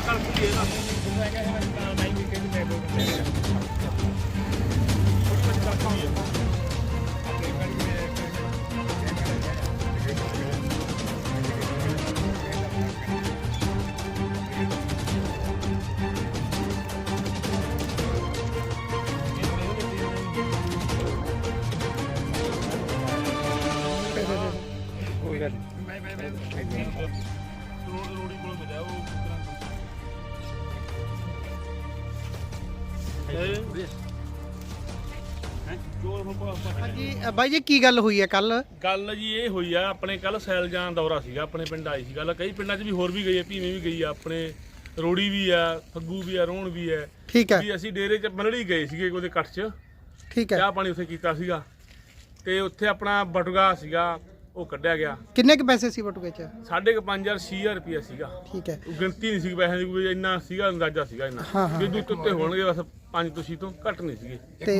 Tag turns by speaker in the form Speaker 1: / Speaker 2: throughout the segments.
Speaker 1: ਹਾਂਜੀ ਬਾਈ ਜੀ ਕੀ ਗੱਲ ਹੋਈ ਹੈ ਕੱਲ?
Speaker 2: ਗੱਲ ਜੀ ਇਹ ਹੋਈ ਆ ਆਪਣੇ ਕੱਲ ਸੈਲਜਾਨ ਦੌਰਾ ਸੀਗਾ ਆਪਣੇ ਪਿੰਡ ਆਈ ਸੀ ਗੱਲ। ਕਈ ਪਿੰਡਾਂ 'ਚ ਵੀ ਹੋਰ ਵੀ ਗਈ ਆ, ਭੀਵੇਂ ਵੀ ਗਈ ਆ, ਆਪਣੇ ਰੋੜੀ ਵੀ ਆ, ਫੱਗੂ ਵੀ ਆ, ਰੋਣ ਵੀ ਹੈ।
Speaker 1: ਠੀਕ ਹੈ
Speaker 2: ਵੀ ਅਸੀਂ ਡੇਰੇ 'ਚ ਮਲੜੀ ਗਏ ਸੀਗੇ ਉਹਦੇ ਕੱਠ 'ਚ,
Speaker 1: ਠੀਕ ਹੈ।
Speaker 2: ਚਾਹ ਪਾਣੀ ਉੱਥੇ ਕੀਤਾ ਸੀਗਾ ਤੇ ਉੱਥੇ ਆਪਣਾ ਬਟੂਗਾ ਸੀਗਾ ਉਹ ਕੱਢਿਆ ਗਿਆ।
Speaker 1: ਕਿੰਨੇ ਕੁ ਪੈਸੇ ਸੀ ਬਟੂਏ 'ਚ?
Speaker 2: 5,500 6,000 ਰੁਪਇਆ ਸੀਗਾ।
Speaker 1: ਠੀਕ ਹੈ।
Speaker 2: ਗਿਣਤੀ ਨਹੀਂ ਸੀ ਪੈਸਿਆਂ ਦੀ, ਕੋਈ ਇੰਨਾ ਸੀਗਾ ਅੰਦਾਜ਼ਾ ਸੀਗਾ ਇੰਨਾ ਵੀ ਦੁੱਤ ਉੱਤੇ ਹੋਣਗੇ ਬਸ 5 ਤੁਸੀਂ ਤੋਂ ਘੱਟ ਨਹੀਂ ਸੀਗੇ।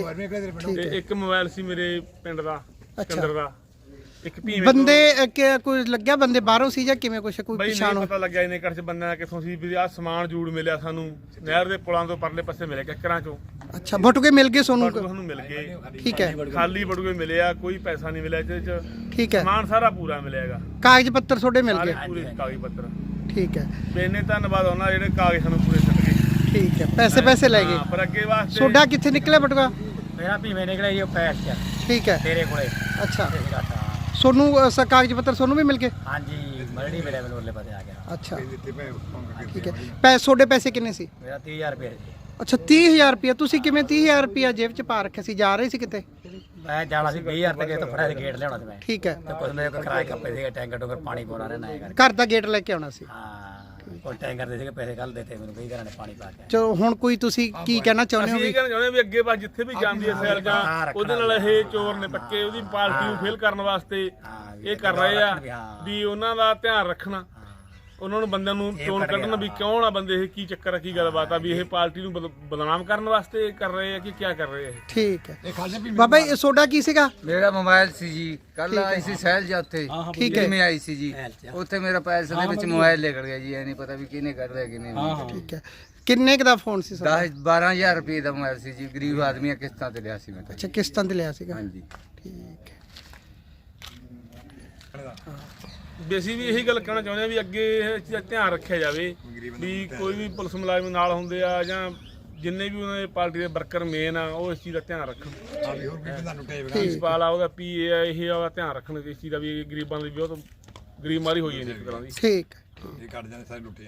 Speaker 2: ਤੇ ਇੱਕ ਮੋਬਾਈਲ ਸੀ ਮੇਰੇ ਪਿੰਡ ਦਾ ਸਿਕੰਦਰ ਦਾ, ਇੱਕ ਭੀਵੇਂ
Speaker 1: ਬੰਦੇ ਕੋਈ ਲੱਗਿਆ ਬੰਦੇ ਬਾਹਰੋਂ ਸੀ ਜਾਂ ਕਿਵੇਂ ਕੁਛ ਕੋਈ
Speaker 2: ਬਈ
Speaker 1: ਪਛਾਣ?
Speaker 2: ਨਹੀਂ ਪਤਾ ਲੱਗਿਆ ਇਹਨੇ ਘਰ 'ਚ ਬੰਦਿਆਂ ਦਾ ਕਿੱਥੋਂ ਸੀ ਵੀ ਆਹ ਸਮਾਨ ਜੂੜ ਮਿਲਿਆ ਸਾਨੂੰ ਨਹਿਰ ਦੇ ਪੁਲਾਂ ਤੋਂ ਪਰਲੇ ਪਾਸੇ ਮਿਲਿਆ ਕਿੱਕਰਾਂ 'ਚੋਂ।
Speaker 1: ਅੱਛਾ ਬਟੂਏ ਮਿਲ ਗਏ
Speaker 2: ਬਟੂਏ
Speaker 1: ਸੋਨੂੰ?
Speaker 2: ਸਾਨੂੰ ਮਿਲ ਗਏ।
Speaker 1: ਠੀਕ ਹੈ।
Speaker 2: ਖਾਲੀ ਬਟੂਏ ਮਿਲਿਆ, ਕੋਈ ਪੈਸਾ ਨਹੀਂ ਮਿਲਿਆ ਇਹਦੇ 'ਚ।
Speaker 1: ਠੀਕ ਹੈ।
Speaker 2: ਸਮਾਨ ਸਾਰਾ ਪੂਰਾ ਮਿਲਿਆਗਾ,
Speaker 1: ਕਾਗਜ਼ ਪੱਤਰ ਤੁਹਾਡੇ ਮਿਲ
Speaker 2: ਸਾਰੇ
Speaker 1: ਗਏ?
Speaker 2: ਪੂਰੇ ਕਾਗਜ਼ ਪੱਤਰ।
Speaker 1: ਠੀਕ ਹੈ।
Speaker 2: ਇੰਨੇ ਧੰਨਵਾਦ ਉਹਨਾਂ ਜਿਹੜੇ ਕਾਗਜ਼ ਸਾਨੂੰ ਪੂਰੇ ਛੱਡ ਗਏ।
Speaker 1: ਠੀਕ ਹੈ। ਪੈਸੇ ਲੈ ਗਏ?
Speaker 2: ਪਰ ਅੱਗੇ ਵਾਸਤੇ
Speaker 1: ਤੁਹਾਡਾ ਕਿੱਥੇ ਨਿਕਲਿਆ ਬਟੂਆ?
Speaker 3: ਮੇਰਾ ਭੀਵੇਂ ਨਿਕਲਿਆ ਜੀ ਉਹ ਪੈਸ ਚ।
Speaker 1: ਠੀਕ ਹੈ।
Speaker 3: ਤੇਰੇ ਕੋਲੇ
Speaker 1: ਅੱਛਾ ਸੋਨੂੰ ਕਾਗਜ਼ ਪੱਤਰ ਸੋਨੂੰ ਵੀ ਮਿਲ ਗਏ?
Speaker 3: ਹਾਂਜੀ ਮਲੜੀ ਮੇਰੇ ਮੈਨੂੰ ਉਰਲੇ ਪਾਸੇ ਆ ਗਿਆ।
Speaker 1: ਅੱਛਾ ਠੀਕ ਹੈ। ਤੁਹਾਡੇ ਪੈਸੇ ਕਿੰਨੇ ਸੀ?
Speaker 3: ਮੇਰਾ 30,000 ਰੁਪਏ ਸੀ।
Speaker 1: ਅੱਛਾ 30,000 ਰੁਪਇਆ। ਤੁਸੀਂ ਕਿਵੇਂ 30,000 ਰੁਪਇਆ ਜੇਬ 'ਚ ਪਾ ਰੱਖਿਆ ਸੀ? ਜਾ ਰਹੇ ਸੀ ਕਿਤੇ?
Speaker 3: ਮੈਂ ਜਾਣਾ ਸੀ 20,000 ਤੇ ਤੋਂ ਫੜਿਆ ਗੇਟ ਲਿਆਉਣਾ ਸੀ ਮੈਂ।
Speaker 1: ਠੀਕ ਹੈ।
Speaker 3: ਤੇ ਕੁਝ ਮੇਰੇ ਕੋਲ ਕਿਰਾਏ ਕੱਪੇ ਸੀਗੇ, ਟੈਂਕਰ ਟੂੰਕਰ ਪਾਣੀ ਪਾਉਣਾ ਰਹਿਣਾ ਹੈ
Speaker 1: ਘਰ ਦਾ ਗੇਟ ਲੈ ਕੇ ਆਉਣਾ ਸੀ?
Speaker 3: ਹਾਂ ਕੋਈ ਟੈਂਕਰ ਦੇ ਸੀਗੇ, ਪੈਸੇ ਕੱਲ ਦੇਤੇ ਮੈਨੂੰ, ਕਈ ਘਰਾਂ ਨੇ ਪਾਣੀ ਪਾ ਕੇ।
Speaker 1: ਚਲੋ ਹੁਣ ਕੋਈ ਤੁਸੀਂ ਕੀ ਕਹਿਣਾ ਚਾਹੁੰਦੇ ਹੋ?
Speaker 2: ਅਸੀਂ ਇਹ ਕਹਿਣਾ ਚਾਹੁੰਦੇ ਵੀ ਅੱਗੇ ਬਸ ਜਿੱਥੇ ਵੀ ਜਾਂਦੀ ਹੈ ਸੈਲ ਜਾਂ ਉਹਦੇ ਨਾਲ ਇਹ ਚੋਰ ਨੇ ਪੱਕੇ ਉਹਦੀ ਪਾਰਟੀ ਨੂੰ ਫੇਲ ਕਰਨ ਵਾਸਤੇ ਇਹ ਕਰ ਰਹੇ ਆ ਵੀ ਉਹਨਾਂ ਦਾ ਧਿਆਨ ਰੱਖਣਾ, ਉਹਨਾਂ ਨੂੰ ਬੰਦਿਆਂ ਨੂੰ ਚੋਣ ਕੱਢਣ ਵੀ ਕਿਉਂ ਆ ਬੰਦੇ ਇਹ, ਕੀ ਚੱਕਰ ਆ, ਕੀ ਗੱਲਬਾਤ ਆ, ਵੀ ਇਹ ਪਾਰਟੀ ਨੂੰ ਬਦਨਾਮ ਕਰਨ ਵਾਸਤੇ ਕਰ ਰਹੇ ਆ ਕਿ ਕੀ ਕਰ ਰਹੇ ਆ?
Speaker 1: ਠੀਕ ਹੈ। ਬਾਬਾ ਜੀ ਤੁਹਾਡਾ ਕੀ ਸੀਗਾ?
Speaker 4: ਮੇਰਾ ਮੋਬਾਈਲ ਸੀ ਜੀ, ਕੱਲ ਆਈ ਸੀ ਸਹਿਲ ਜਾ ਉੱਥੇ।
Speaker 1: ਠੀਕ ਹੈ।
Speaker 4: ਮੈਂ ਆਈ ਸੀ ਜੀ ਉੱਥੇ, ਮੇਰਾ ਪੈਸੇ ਦੇ ਵਿੱਚ ਮੋਬਾਈਲ ਨਿਕਲ ਗਿਆ ਜੀ। ਇਹ ਨਹੀਂ ਪਤਾ ਵੀ ਕਿਹਨੇ ਕਰ ਲਿਆ ਕਿਹਨੇ ਨਹੀਂ।
Speaker 1: ਠੀਕ ਹੈ। ਕਿੰਨੇ ਕ ਦਾ ਫੋਨ ਸੀ?
Speaker 4: 10-12,000 ਰੁਪਏ ਦਾ ਮੋਬਾਈਲ ਸੀ ਜੀ। ਗਰੀਬ ਆਦਮੀ ਆ, ਕਿਸ਼ਤਾਂ ਤੇ ਲਿਆ ਸੀ ਮੈਂ ਤਾਂ।
Speaker 1: ਅੱਛਾ ਕਿਸ਼ਤਾਂ ਤੇ ਲਿਆ ਸੀਗਾ?
Speaker 4: ਹਾਂਜੀ
Speaker 1: ਠੀਕ ਹੈ।
Speaker 2: ਵੀ ਅਸੀਂ ਵੀ ਇਹੀ ਗੱਲ ਕਹਿਣਾ ਚਾਹੁੰਦੇ ਆ ਵੀ ਅੱਗੇ ਇਹ ਚੀਜ਼ ਦਾ ਧਿਆਨ ਰੱਖਿਆ ਜਾਵੇ ਵੀ ਕੋਈ ਵੀ ਪੁਲਿਸ ਮੁਲਾਜ਼ਮ ਨਾਲ ਹੁੰਦੇ ਆ ਜਾਂ ਜਿੰਨੇ ਵੀ ਉਹਨਾਂ ਦੇ ਪਾਰਟੀ ਦੇ ਵਰਕਰ ਮੇਨ ਆ ਉਹ ਇਸ ਚੀਜ਼ ਦਾ ਧਿਆਨ ਰੱਖਣ। ਪ੍ਰਿੰਸੀਪਲ ਆ, ਉਹਦਾ PA ਆ, ਇਹ ਉਹਦਾ ਧਿਆਨ ਰੱਖਣ ਇਸ ਚੀਜ਼ ਦਾ ਵੀ ਗਰੀਬਾਂ ਦੀ ਬਹੁਤ ਗਰੀਬ ਮਾਰੀ ਹੋਈ ਹੈ ਇੱਕ ਤਰ੍ਹਾਂ ਦੀ।
Speaker 1: ਠੀਕ।